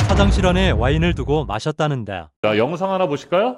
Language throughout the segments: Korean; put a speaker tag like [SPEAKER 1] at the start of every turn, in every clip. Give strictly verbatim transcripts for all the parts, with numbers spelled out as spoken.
[SPEAKER 1] 화장실 안에 와인을 두고 마셨다는데.
[SPEAKER 2] 자, 영상 하나 보실까요?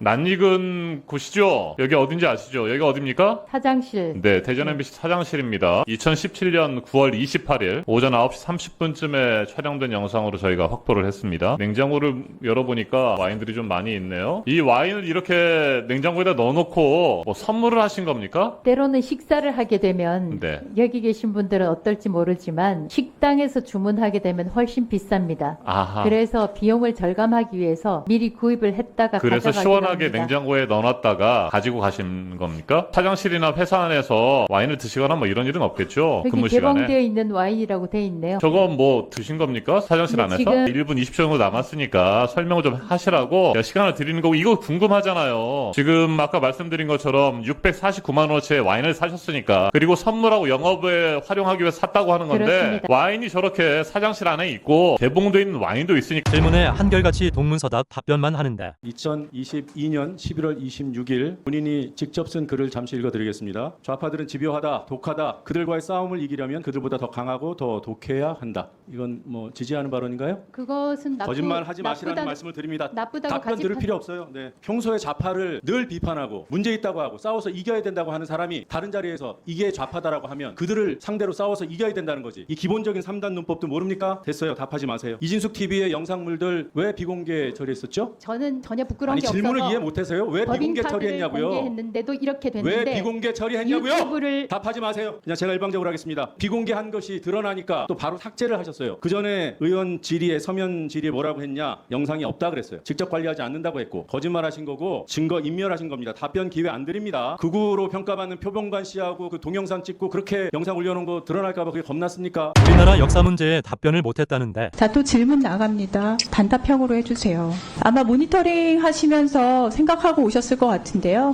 [SPEAKER 2] 낯익은 곳이죠? 여기 어딘지 아시죠? 여기가 어딥니까?
[SPEAKER 3] 사장실.
[SPEAKER 2] 네, 대전 엠비씨 사장실입니다. 이천십칠 년 구월 이십팔일 오전 아홉 시 삼십 분쯤에 촬영된 영상으로 저희가 확보를 했습니다. 냉장고를 열어보니까 와인들이 좀 많이 있네요. 이 와인을 이렇게 냉장고에다 넣어놓고 뭐 선물을 하신 겁니까?
[SPEAKER 3] 때로는 식사를 하게 되면
[SPEAKER 2] 네.
[SPEAKER 3] 여기 계신 분들은 어떨지 모르지만 식당에서 주문하게 되면 훨씬 비쌉니다.
[SPEAKER 2] 아하.
[SPEAKER 3] 그래서 비용을 절감하기 위해서 미리 구입을 했다가
[SPEAKER 2] 그래서
[SPEAKER 3] 가져가기도
[SPEAKER 2] 시원하게
[SPEAKER 3] 합니다.
[SPEAKER 2] 냉장고에 넣어놨다가 가지고 가신 겁니까? 화장실이나 회사 안에서 와인을 드시거나 뭐 이런 일은 없겠죠?
[SPEAKER 3] 여기
[SPEAKER 2] 근무
[SPEAKER 3] 개봉되어
[SPEAKER 2] 시간에.
[SPEAKER 3] 있는 와인이라고 돼 있네요.
[SPEAKER 2] 저건 뭐 드신 겁니까? 화장실
[SPEAKER 3] 네,
[SPEAKER 2] 안에서?
[SPEAKER 3] 지금-
[SPEAKER 2] 일 분 이십 초 정도 남았으니까 설명을 좀 하시라고 시간을 드리는 거고, 이거 궁금하잖아요. 지금 아까 말씀드린 것처럼 육백사십구만 원어치의 와인을 사셨으니까, 그리고 선물하고 영업에 활용하기 위해서 샀다고 하는 건데,
[SPEAKER 3] 그렇습니다.
[SPEAKER 2] 와인이 저렇게 사장실 안에 있고 개봉되어 있는 와인도 있으니까
[SPEAKER 1] 질문에 한결같이 동문서답 답변만 하는데.
[SPEAKER 4] 이천이십이 년 십일월 이십육일 본인이 직접 쓴 글을 잠시 읽어드리겠습니다. 좌파들은 집요하다, 독하다. 그들과의 싸움을 이기려면 그들보다 더 강하고 더 독해야 한다. 이건 뭐 지지하는 발언인가요?
[SPEAKER 3] 그것은 나쁘,
[SPEAKER 4] 거짓말 하지 마시라는
[SPEAKER 3] 나쁘다,
[SPEAKER 4] 말씀을 드립니다.
[SPEAKER 3] 나쁘다고
[SPEAKER 4] 답변
[SPEAKER 3] 가지
[SPEAKER 4] 들을
[SPEAKER 3] 마-
[SPEAKER 4] 필요 없어요. 네. 평소에 좌파를 늘 비판하고 문제 있다고 하고 싸워서 이겨야 된다고 하는 사람이 다른 자리에서 이게 좌파다라고 하면 그들을 상대로 싸워서 이겨야 된다는 거지. 이 기본적인 삼 단 문법도 모릅니까? 됐어요. 답하지 마세요. 이진숙 티비의 영상물들 왜 비공개 처리했었죠?
[SPEAKER 3] 저는 전혀 부끄러운
[SPEAKER 4] 아니
[SPEAKER 3] 게
[SPEAKER 4] 질문을
[SPEAKER 3] 없어서
[SPEAKER 4] 이해 못해서요. 왜 비공개
[SPEAKER 3] 법인 카드를
[SPEAKER 4] 처리했냐고요?
[SPEAKER 3] 공개했는데도 이렇게
[SPEAKER 4] 왜
[SPEAKER 3] 됐는데
[SPEAKER 4] 비공개 처리했냐고요?
[SPEAKER 3] 유튜브를
[SPEAKER 4] 답하지 마세요. 그냥 제가 일방적으로 하겠습니다. 비공개한 것이 드러나니까 또 바로 삭제를 하셨어요. 그 전에 의원 질의에 서면 질의에 뭐라고 했냐? 영상이 없다 그랬어요. 직접 관리하지 않는다고 했고 거짓말하신 거고 증거 인멸하신 겁니다. 답변 기회 안 드립니다. 극우로 평가받는 표범관 씨하고 그 동영상 찍고 그렇게 영상 올려놓은 거 드러날까봐 그게 겁났습니까?
[SPEAKER 1] 우리나라 역사 문제에 답변을 못했다는데.
[SPEAKER 5] 자, 또 질문 나갑니다. 단답형으로 해주세요. 아마 모니터링 하시면서 생각하고 오셨을 것 같은데요.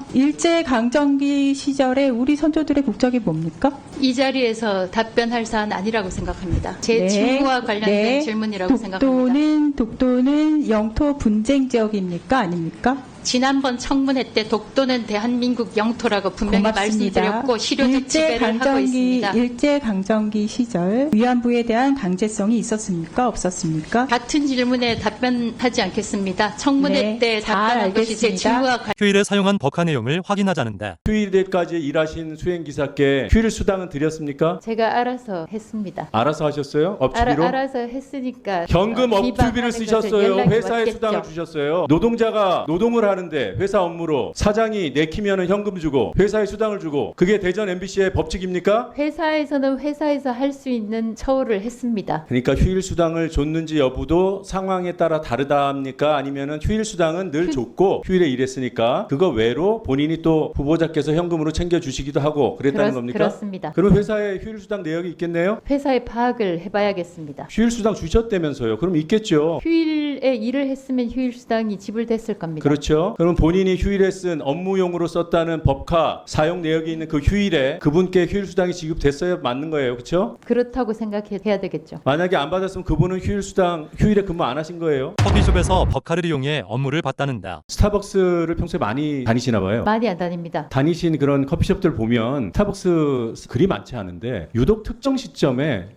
[SPEAKER 5] 일제강점기 시절에 우리 선조들의 국적이 뭡니까?
[SPEAKER 6] 이 자리에서 답변할 사안 아니라고 생각합니다. 제
[SPEAKER 5] 네.
[SPEAKER 6] 직무와 관련된
[SPEAKER 5] 네.
[SPEAKER 6] 질문이라고 생각합니다.
[SPEAKER 5] 독도는, 독도는 영토 분쟁 지역입니까? 아닙니까?
[SPEAKER 6] 지난번 청문회 때 독도는 대한민국 영토라고 분명히
[SPEAKER 5] 고맙습니다.
[SPEAKER 6] 말씀드렸고 시료적 지배를 하고 있습니다.
[SPEAKER 5] 일제강점기 시절 위안부에 대한 강제성이 있었습니까? 없었습니까?
[SPEAKER 6] 같은 질문에 답변하지 않겠습니다. 청문회
[SPEAKER 5] 네,
[SPEAKER 6] 때
[SPEAKER 5] 잘
[SPEAKER 6] 답변한 것이 제
[SPEAKER 5] 알겠습니다.
[SPEAKER 6] 직무와 관련
[SPEAKER 1] 휴일에 사용한 법화 내용을 확인하자는데.
[SPEAKER 4] 휴일에까지 일하신 수행기사께 휴일 수당은 드렸습니까?
[SPEAKER 3] 제가 알아서 했습니다.
[SPEAKER 4] 알아서 하셨어요?
[SPEAKER 3] 알아,
[SPEAKER 4] 업주비로?
[SPEAKER 3] 알아서 했으니까
[SPEAKER 4] 현금
[SPEAKER 3] 어,
[SPEAKER 4] 업투비를
[SPEAKER 3] 비방하는 것에
[SPEAKER 4] 쓰셨어요.
[SPEAKER 3] 연락이
[SPEAKER 4] 회사에
[SPEAKER 3] 왔겠죠.
[SPEAKER 4] 수당을 주셨어요. 노동자가 노동을 하는데 회사 업무로 사장이 내키면은 현금 주고 회사에 수당을 주고 그게 대전 엠비씨의 법칙입니까?
[SPEAKER 3] 회사에서는 회사에서 할 수 있는 처우를 했습니다.
[SPEAKER 4] 그러니까 휴일 수당을 줬는지 여부도 상황에 따라 다르답니까? 아니면은 휴일 수당은 늘
[SPEAKER 3] 휴-
[SPEAKER 4] 줬고 휴일에 일했으니까 그거 외로 본인이 또 후보자께서 현금으로 챙겨 주시기도 하고 그랬다는
[SPEAKER 3] 그렇-
[SPEAKER 4] 겁니까?
[SPEAKER 3] 그렇습니다.
[SPEAKER 4] 그럼 회사에 휴일 수당 내역이 있겠네요?
[SPEAKER 3] 회사에 파악을 해봐야겠습니다.
[SPEAKER 4] 휴일 수당 주셨다면서요. 그럼 있겠죠.
[SPEAKER 3] 휴일에 일을 했으면 휴일 수당이 지불됐을 겁니다.
[SPEAKER 4] 그렇죠. 그럼 본인이 휴일에 쓴 업무용으로 썼다는 법카 사용 내역이 있는 그 휴일에 그분께 휴일 수당이 지급됐어야 맞는 거예요. 그렇죠?
[SPEAKER 3] 그렇다고 생각해야 되겠죠.
[SPEAKER 4] 만약에 안 받았으면 그분은 휴일 수당 휴일에 근무 안 하신 거예요.
[SPEAKER 1] 커피숍에서 법카를 이용해 업무를 봤다는데.
[SPEAKER 4] 스타벅스를 평소에 많이 다니시나 봐요.
[SPEAKER 3] 많이 안 다닙니다.
[SPEAKER 4] 다니신 그런 커피숍들 보면 스타벅스 그리 많지 않은데 유독 특정 시점에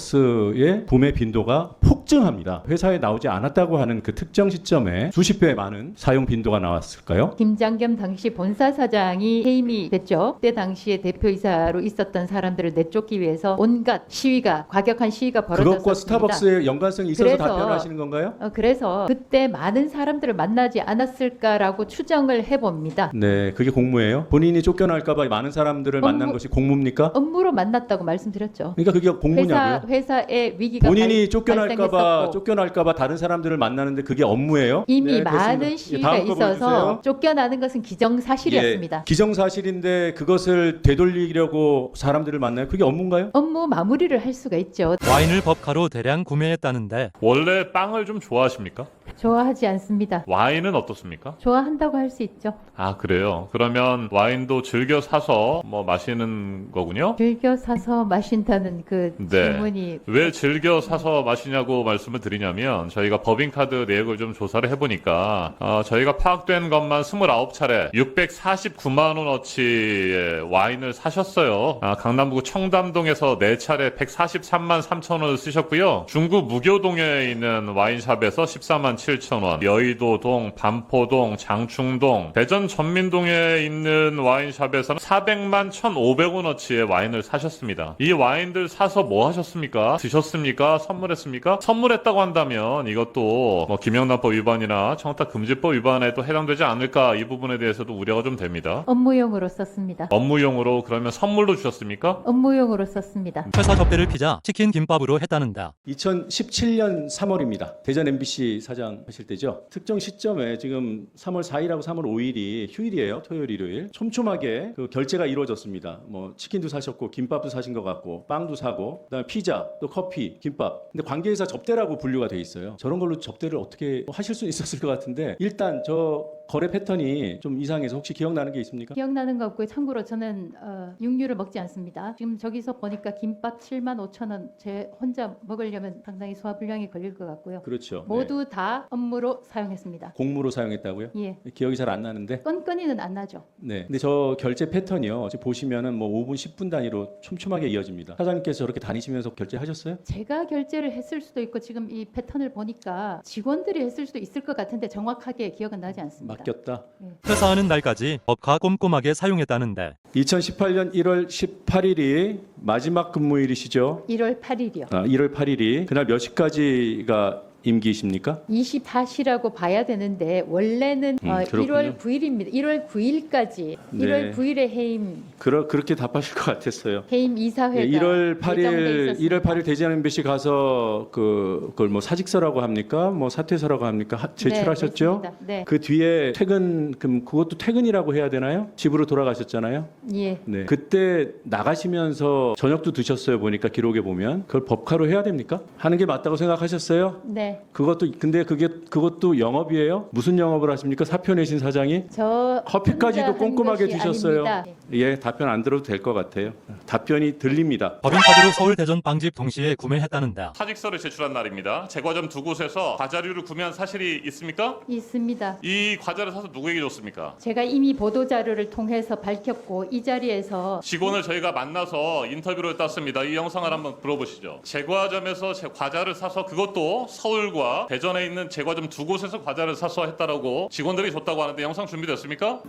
[SPEAKER 4] 스타벅스의 구매 빈도가 폭증합니다. 회사에 나오지 않았다고 하는 그 특정 시점에 수십 배 많은 사용 빈도가 나왔을까요?
[SPEAKER 3] 김장겸 당시 본사 사장이 해임이 됐죠. 그때 당시에 대표이사로 있었던 사람들을 내쫓기 위해서 온갖 시위가 과격한 시위가 벌어졌습니다.
[SPEAKER 4] 그것과 스타벅스의 연관성이 있어서
[SPEAKER 3] 그래서-
[SPEAKER 4] 답변하시는 건가요?
[SPEAKER 3] 어, 그래서 그때 많은 사람들을 만나지 않았을까라고 추정을 해봅니다.
[SPEAKER 4] 네, 그게 공무예요. 본인이 쫓겨날까봐 많은 사람들을 만난
[SPEAKER 3] 업무-
[SPEAKER 4] 것이 공무입니까?
[SPEAKER 3] 업무로 만났다고 말씀드렸죠.
[SPEAKER 4] 그러니까 그게
[SPEAKER 3] 회사
[SPEAKER 4] 공무냐고요?
[SPEAKER 3] 회사에 위기가
[SPEAKER 4] 본인이
[SPEAKER 3] 발-
[SPEAKER 4] 쫓겨날까봐
[SPEAKER 3] 발생했었고
[SPEAKER 4] 쫓겨날까봐 다른 사람들을 만나는데 그게 업무예요?
[SPEAKER 3] 이미
[SPEAKER 4] 네, 됐습니다.
[SPEAKER 3] 많은
[SPEAKER 4] 예,
[SPEAKER 3] 시위가
[SPEAKER 4] 다음 거
[SPEAKER 3] 있어서
[SPEAKER 4] 보여주세요.
[SPEAKER 3] 쫓겨나는 것은 기정사실이었습니다.
[SPEAKER 4] 예, 기정사실인데 그것을 되돌리려고 사람들을 만나요? 그게 업무인가요?
[SPEAKER 3] 업무 마무리를 할 수가 있죠.
[SPEAKER 1] 와인을 법카로 대량 구매했다는데.
[SPEAKER 2] 원래 빵을 좀 좋아하십니까?
[SPEAKER 3] 좋아하지 않습니다.
[SPEAKER 2] 와인은 어떻습니까?
[SPEAKER 3] 좋아한다고 할 수 있죠.
[SPEAKER 2] 아, 그래요. 그러면 와인도 즐겨 사서 뭐 마시는 거군요?
[SPEAKER 3] 즐겨 사서 마신다는 그
[SPEAKER 2] 네.
[SPEAKER 3] 질문이
[SPEAKER 2] 왜 즐겨 사서 마시냐고 말씀을 드리냐면, 저희가 법인 법인카드 내역을 좀 조사를 해보니까 어, 저희가 파악된 것만 스물아홉 차례 육백사십구만 원어치의 와인을 사셨어요. 아, 강남구 청담동에서 네 차례 백사십삼만 삼천 원을 쓰셨고요. 중구 무교동에 있는 와인샵에서 십사만 칠천 원, 여의도동, 반포동, 장충동, 대전 전민동에 있는 와인샵에서는 사백만 천오백 원어치의 와인을 사셨습니다. 이 와인들 사서 뭐 하셨습니까? 드셨습니까? 선물했습니까? 선물했다고 한다면 이것도 뭐 김영란법 위반이나 청탁금지법 위반에 또 해당되지 않을까, 이 부분에 대해서도 우려가 좀 됩니다.
[SPEAKER 3] 업무용으로 썼습니다.
[SPEAKER 2] 업무용으로 그러면 선물로 주셨습니까?
[SPEAKER 3] 업무용으로 썼습니다.
[SPEAKER 1] 회사 접대를 피자 치킨 김밥으로 했다는데
[SPEAKER 4] 이천십칠 년 삼월입니다. 대전 엠비씨 사장 하실 때죠. 특정 시점에 지금 삼월 사일하고 삼월 오일이 휴일이에요. 토요일, 일요일. 촘촘하게 그 결제가 이루어졌습니다. 뭐 치킨도 사셨고 김밥도 사신 것 같고 빵도 사고 그다음에 피자 또 커피, 김밥. 근데 관계회사 접대라고 분류가 돼 있어요. 저런 걸로 접대를 어떻게 하실 수 있었을 것 같은데 일단 저 거래 패턴이 좀 이상해서 혹시 기억나는 게 있습니까?
[SPEAKER 3] 기억나는 거 없고요. 참고로 저는 어, 육류를 먹지 않습니다. 지금 저기서 보니까 김밥 칠만 오천 원 제 혼자 먹으려면 상당히 소화불량이 걸릴 것 같고요.
[SPEAKER 4] 그렇죠.
[SPEAKER 3] 모두
[SPEAKER 4] 네.
[SPEAKER 3] 다 업무로 사용했습니다.
[SPEAKER 4] 공무로 사용했다고요?
[SPEAKER 3] 예.
[SPEAKER 4] 기억이 잘 안 나는데.
[SPEAKER 3] 건건이는 안 나죠.
[SPEAKER 4] 네. 근데 저 결제 패턴이요. 지금 보시면은 뭐 오 분, 십 분 단위로 촘촘하게 이어집니다. 사장님께서 저렇게 다니시면서 결제하셨어요?
[SPEAKER 3] 제가 결제를 했을 수도 있고 지금 이 패턴을 보니까 직원들이 했을 수도 있을 것 같은데 정확하게 기억은 나지 않습니다.
[SPEAKER 4] 맡겼다.
[SPEAKER 1] 퇴사하는 날까지 법카 꼼꼼하게 사용했다는데
[SPEAKER 4] 이천십팔 년 일월 십팔일이 마지막 근무일이시죠?
[SPEAKER 3] 일월 팔일이요.
[SPEAKER 4] 아, 일월 팔일이 그날 몇 시까지가 임기이십니까?
[SPEAKER 3] 이십사 시라고 봐야 되는데 원래는
[SPEAKER 4] 음,
[SPEAKER 3] 어,
[SPEAKER 4] 그렇군요.
[SPEAKER 3] 일월 구일입니다. 일월 구일까지
[SPEAKER 4] 네.
[SPEAKER 3] 일월 구일에 해임
[SPEAKER 4] 그러, 그렇게 답하실 것 같았어요.
[SPEAKER 3] 해임 이사회가
[SPEAKER 4] 예, 일월
[SPEAKER 3] 예정돼
[SPEAKER 4] 팔일
[SPEAKER 3] 있었습니다.
[SPEAKER 4] 일월 팔일 대전 엠비씨 가서 그 그걸 뭐 사직서라고 합니까? 뭐 사퇴서라고 합니까? 하- 제출하셨죠?
[SPEAKER 3] 네, 네,
[SPEAKER 4] 그 뒤에 퇴근 그럼 그것도 퇴근이라고 해야 되나요? 집으로 돌아가셨잖아요.
[SPEAKER 3] 예.
[SPEAKER 4] 네. 그때 나가시면서 저녁도 드셨어요. 보니까 기록에 보면 그걸 법카로 해야 됩니까? 하는 게 맞다고 생각하셨어요?
[SPEAKER 3] 네.
[SPEAKER 4] 그것도 근데 그게 그것도 영업이에요? 무슨 영업을 하십니까? 사표 내신 사장이
[SPEAKER 3] 저
[SPEAKER 4] 커피까지도
[SPEAKER 3] 혼자 한
[SPEAKER 4] 꼼꼼하게
[SPEAKER 3] 것이
[SPEAKER 4] 드셨어요.
[SPEAKER 3] 아닙니다.
[SPEAKER 4] 예, 답변 안 들어도 될 것 같아요. 답변이 들립니다.
[SPEAKER 1] 법인카드로 서울 대전 빵집 동시에 구매했다는데
[SPEAKER 2] 사직서를 제출한 날입니다. 제과점 두 곳에서 과자류를 구매한 사실이 있습니까?
[SPEAKER 3] 있습니다.
[SPEAKER 2] 이 과자를 사서 누구에게 줬습니까?
[SPEAKER 3] 제가 이미 보도 자료를 통해서 밝혔고 이 자리에서
[SPEAKER 2] 직원을 저희가 만나서 인터뷰를 땄습니다. 이 영상을 한번 들어보시죠. 제과점에서 제 과자를 사서 그것도 서울과 대전에 있는 제과점 두 곳에서 과자를 사서 했다라고 직원들이 줬다고 하는데 영상 준비됐습니까?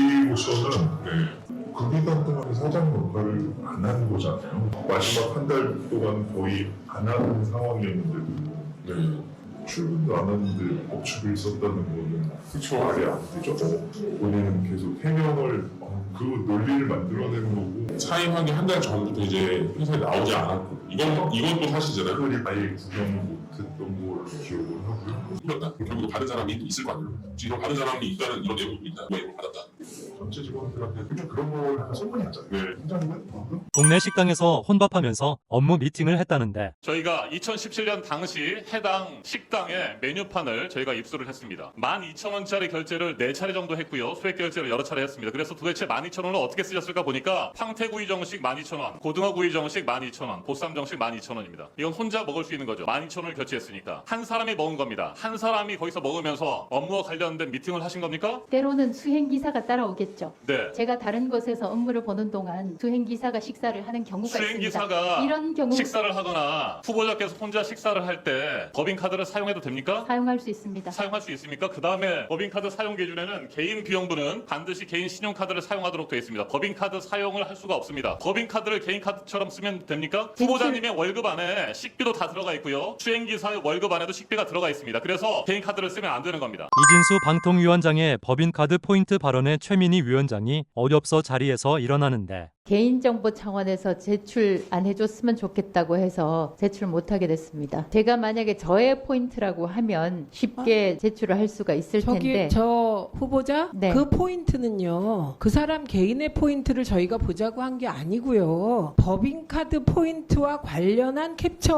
[SPEAKER 7] 저희로서는 네, 그 기간 동안 사장 역할을 안 한 거잖아요. 마지막 한 달 동안 거의 안 하는 상황이었는데도 네, 출근도 안 하는데 법칙을 썼다는 거는 그쵸 말이 안 되죠. 어, 본인은 계속 해명을 어, 그 논리를 만들어내는 거고
[SPEAKER 8] 사임하기 한 달 전부터 이제 회사에 나오지 않았고 이건 이건 또 사실이잖아요.
[SPEAKER 7] 그걸 아예 구경을 못했던 걸 기억을 하고요.
[SPEAKER 8] 이겼다. 결국 다른 사람이 있을 거 아니에요. 지금 다른 사람이 있다는 이런 내용도 있다. 왜 이걸 받았다.
[SPEAKER 7] 전체 직원들한테 그냥 그런 걸 약간 소문이 났잖아요.
[SPEAKER 8] 네.
[SPEAKER 7] 팀장님은 방금
[SPEAKER 1] 동네 식당에서 혼밥하면서 업무 미팅을 했다는데
[SPEAKER 2] 저희가 이천십칠 년 당시 해당 식당의 메뉴판을 저희가 입수를 했습니다. 만 이천 원짜리 결제를 네 차례 정도 했고요. 소액 결제를 여러 차례 했습니다. 그래서 도대체 만 이천 원을 어떻게 쓰셨을까 보니까 황태구이 정식 만 이천 원, 고등어구이 정식 만 이천 원, 보쌈 정식 만 이천 원입니다. 이건 혼자 먹을 수 있는 거죠. 만 이천 원을 결제했으니까. 한 사람이 먹은 겁니다. 한 사람이 거기서 먹으면서 업무와 관련된 미팅을 하신 겁니까?
[SPEAKER 3] 때로는 수행 기사가 따라오겠죠.
[SPEAKER 2] 네.
[SPEAKER 3] 제가 다른 곳에서 업무를 보는 동안 수행 기사가 식사를 하는 경우가 있습니다.
[SPEAKER 2] 수행기사가
[SPEAKER 3] 이런 경우
[SPEAKER 2] 식사를 하거나 후보자께서 혼자 식사를 할 때 법인카드를 사용해도 됩니까?
[SPEAKER 3] 사용할 수 있습니다.
[SPEAKER 2] 사용할 수 있습니까? 그 다음에 법인카드 사용 기준에는 개인 비용분은 반드시 개인 신용카드를 사용하도록 되어 있습니다. 법인카드 사용을 할 수가 없습니다. 법인카드를 개인카드처럼 쓰면 됩니까?
[SPEAKER 3] 제출-
[SPEAKER 2] 후보자님의 월급 안에 식비도 다 들어가 있고요. 수행기사의 월급 안에도 식비가 들어가 있습니다. 그래서 개인카드를 쓰면 안 되는 겁니다.
[SPEAKER 1] 이진수 방통위원장의 법인카드 포인트 발언에 최민희 위원장이 어렵서 자리에서 일어나는데
[SPEAKER 3] 개인정보 차원에서 제출 안 해줬으면 좋겠다고 해서 제출 못하게 됐습니다. 제가 만약에 저의 포인트라고 하면 쉽게 제출을 할 수가 있을
[SPEAKER 9] 저기
[SPEAKER 3] 텐데
[SPEAKER 9] 저 후보자
[SPEAKER 3] 네.
[SPEAKER 9] 그 포인트는요 그 사람 개인의 포인트를 저희가 보자고 한 게 아니고요 법인카드 포인트와 관련한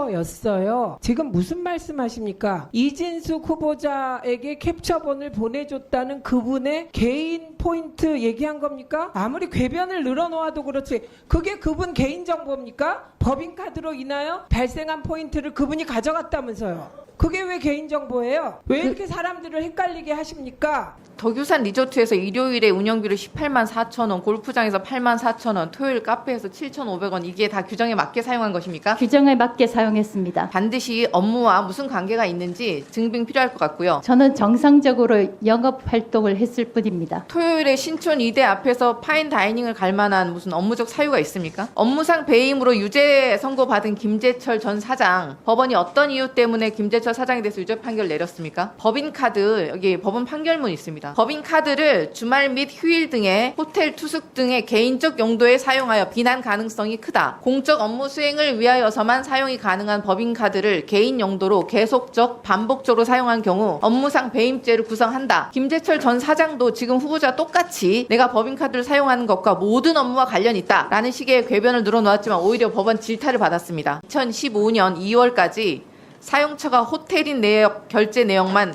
[SPEAKER 9] 캡처였어요. 지금 무슨 말씀하십니까? 이진숙 후보자에게 캡처본을 보내줬다는 그분의 개인 포인트 얘기한 겁니까? 아무리 궤변을 늘어놓아도 그렇지 그게 그분 개인정보입니까? 법인카드로 인하여 발생한 포인트를 그분이 가져갔다면서요. 그게 왜 개인정보예요? 왜 이렇게 사람들을 헷갈리게 하십니까?
[SPEAKER 10] 덕유산 리조트에서 일요일에 운영비로 십팔만 사천 원, 골프장에서 팔만 사천 원, 토요일 카페에서 칠천오백 원, 이게 다 규정에 맞게 사용한 것입니까?
[SPEAKER 3] 규정에 맞게 사용했습니다.
[SPEAKER 10] 반드시 업무와 무슨 관계가 있는지 증빙 필요할 것 같고요.
[SPEAKER 3] 저는 정상적으로 영업 활동을 했을 뿐입니다.
[SPEAKER 10] 토요일에 신촌 이대 앞에서 파인 다이닝을 갈 만한 무슨 업무적 사유가 있습니까? 업무상 배임으로 유죄 선고받은 김재철 전 사장, 법원이 어떤 이유 때문에 김재철 사장에 대해서 유죄 판결 내렸습니까? 법인카드, 여기 법원 판결문 있습니다. 법인카드를 주말 및 휴일 등의 호텔 투숙 등의 개인적 용도에 사용하여 비난 가능성이 크다. 공적 업무 수행을 위하여서만 사용이 가능한 법인카드를 개인 용도로 계속적 반복적으로 사용한 경우 업무상 배임죄를 구성한다. 김재철 전 사장도 지금 후보자 똑같이 내가 법인카드를 사용하는 것과 모든 업무와 관련이 있다 라는 식의 궤변을 늘어놓았지만 오히려 법원 질타를 받았습니다. 이천십오 년 이월까지 사용처가 호텔인 내역 결제 내역만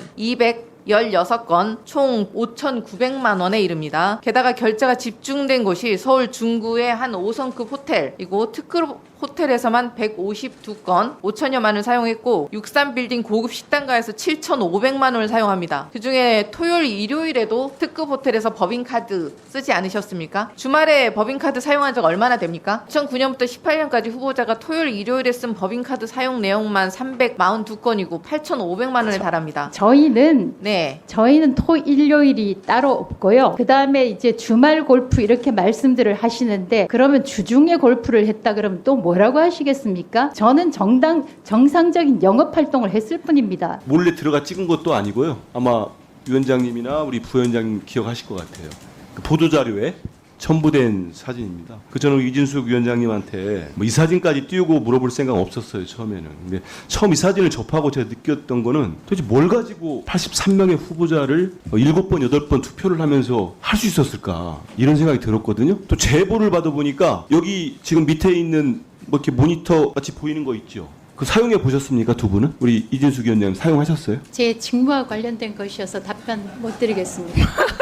[SPEAKER 10] 이백십육 건 총 오천구백만 원에 이릅니다. 게다가 결제가 집중된 곳이 서울 중구의 한 오 성급 호텔이고 특급 호텔에서만 백오십이 건 오천여만 원을 사용했고 육삼 빌딩 고급 식당가에서 칠천오백만 원을 사용합니다. 그중에 토요일 일요일에도 특급 호텔에서 법인카드 쓰지 않으셨습니까? 주말에 법인카드 사용한 적 얼마나 됩니까? 이천구 년부터 십팔 년까지 후보자가 토요일 일요일에 쓴 법인카드 사용 내용만 삼백사십이 건이고 팔천오백만 원에 달합니다.
[SPEAKER 3] 저희는
[SPEAKER 10] 네.
[SPEAKER 3] 저희는 토 일요일이 따로 없고요. 그 다음에 이제 주말 골프 이렇게 말씀들을 하시는데 그러면 주중에 골프를 했다 그러면 또 뭐라고 하시겠습니까? 저는 정당 정상적인 영업 활동을 했을 뿐입니다.
[SPEAKER 11] 몰래 들어가 찍은 것도 아니고요. 아마 위원장님이나 우리 부위원장님 기억하실 것 같아요. 그 보도자료에 첨부된 사진입니다. 그 저는 이진숙 위원장님한테 뭐 이 사진까지 띄우고 물어볼 생각 없었어요, 처음에는. 근데 처음 이 사진을 접하고 제가 느꼈던 거는 도대체 뭘 가지고 팔십삼 명의 후보자를 일곱 번, 여덟 번 투표를 하면서 할 수 있었을까 이런 생각이 들었거든요. 또 제보를 받아보니까 여기 지금 밑에 있는 뭐 이렇게 모니터 같이 보이는 거 있죠. 그 사용해 보셨습니까, 두 분은? 우리 이진숙 위원장님 사용하셨어요?
[SPEAKER 3] 제 직무와 관련된 것이어서 답변 못 드리겠습니다.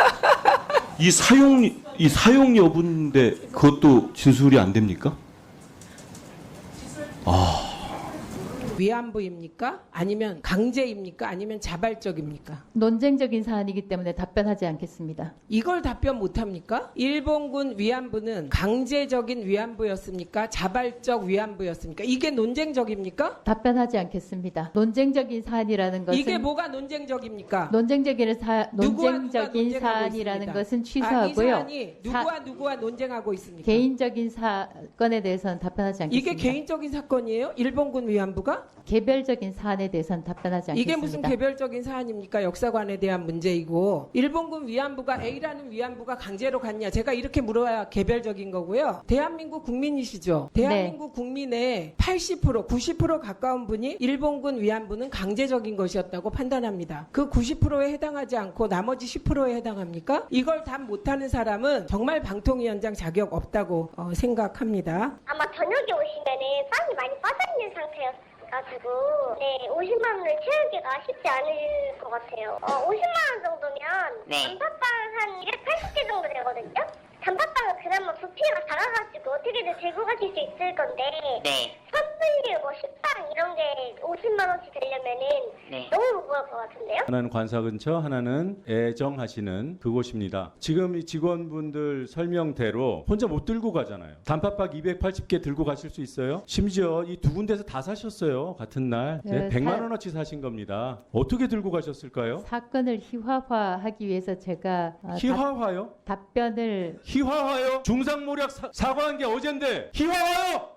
[SPEAKER 11] 이 사용 이 사용 여부인데 그것도 진술이 안 됩니까? 아.
[SPEAKER 9] 위안부입니까? 아니면 강제입니까? 아니면 자발적입니까?
[SPEAKER 3] 논쟁적인 사안이기 때문에 답변하지 않겠습니다.
[SPEAKER 9] 이걸 답변 못합니까? 일본군 위안부는 강제적인 위안부였습니까? 자발적 위안부였습니까? 이게 논쟁적입니까?
[SPEAKER 3] 답변하지 않겠습니다. 논쟁적인 사안이라는 것은
[SPEAKER 9] 이게 뭐가 논쟁적입니까?
[SPEAKER 3] 논쟁적인 사
[SPEAKER 9] 누구와 누가
[SPEAKER 3] 논쟁적인
[SPEAKER 9] 논쟁하고
[SPEAKER 3] 사안이라는
[SPEAKER 9] 있습니다.
[SPEAKER 3] 것은
[SPEAKER 9] 아, 이
[SPEAKER 3] 취소하고요.
[SPEAKER 9] 사안이 누구와 누구와 논쟁하고 있습니까?
[SPEAKER 3] 개인적인 사건에 대해서는 답변하지 않겠습니다.
[SPEAKER 9] 이게 개인적인 사건이에요? 일본군 위안부가?
[SPEAKER 3] 개별적인 사안에 대해서는 답변하지 않겠습니다.
[SPEAKER 9] 이게 무슨 개별적인 사안입니까? 역사관에 대한 문제이고 일본군 위안부가 A라는 위안부가 강제로 갔냐? 제가 이렇게 물어야 개별적인 거고요. 대한민국 국민이시죠? 대한민국
[SPEAKER 3] 네.
[SPEAKER 9] 국민의 팔십 퍼센트, 구십 퍼센트 가까운 분이 일본군 위안부는 강제적인 것이었다고 판단합니다. 그 구십 퍼센트에 해당하지 않고 나머지 십 퍼센트에 해당합니까? 이걸 답 못하는 사람은 정말 방통위원장 자격 없다고 어, 생각합니다.
[SPEAKER 12] 아마 저녁에 오시면은 빵이 많이 빠져있는 상태였어요. 가지고 네 오십만 원을 채우기가 쉽지 않을 것 같아요. 어, 오십만 원 정도면
[SPEAKER 6] 네.
[SPEAKER 12] 단팥빵 한 이백팔십 개 정도 되거든요. 단팥빵은 그나마 부피가 작아가지고 어떻게든 들고 가실 수 있을 건데
[SPEAKER 6] 네.
[SPEAKER 12] 선물류 뭐 식빵 이런 게 오십만 원씩 되려면은
[SPEAKER 6] 네.
[SPEAKER 12] 너무 무거울 것 같은데요.
[SPEAKER 4] 하나는 관사 근처, 하나는 애정하시는 그곳입니다. 지금 이 직원분들 설명대로 혼자 못 들고 가잖아요. 단팥빵 이백팔십 개 들고 가실 수 있어요? 심지어 이 두 군데서 다 사셨어요. 같은 날. 네,
[SPEAKER 3] 네,
[SPEAKER 4] 백만
[SPEAKER 3] 사-
[SPEAKER 4] 원어치 사신 겁니다. 어떻게 들고 가셨을까요?
[SPEAKER 3] 사건을 희화화하기 위해서 제가 어,
[SPEAKER 4] 희화화요?
[SPEAKER 3] 답, 답변을
[SPEAKER 4] 희화화요? 중상모략 사, 사과한 게 어젠데 희화화요?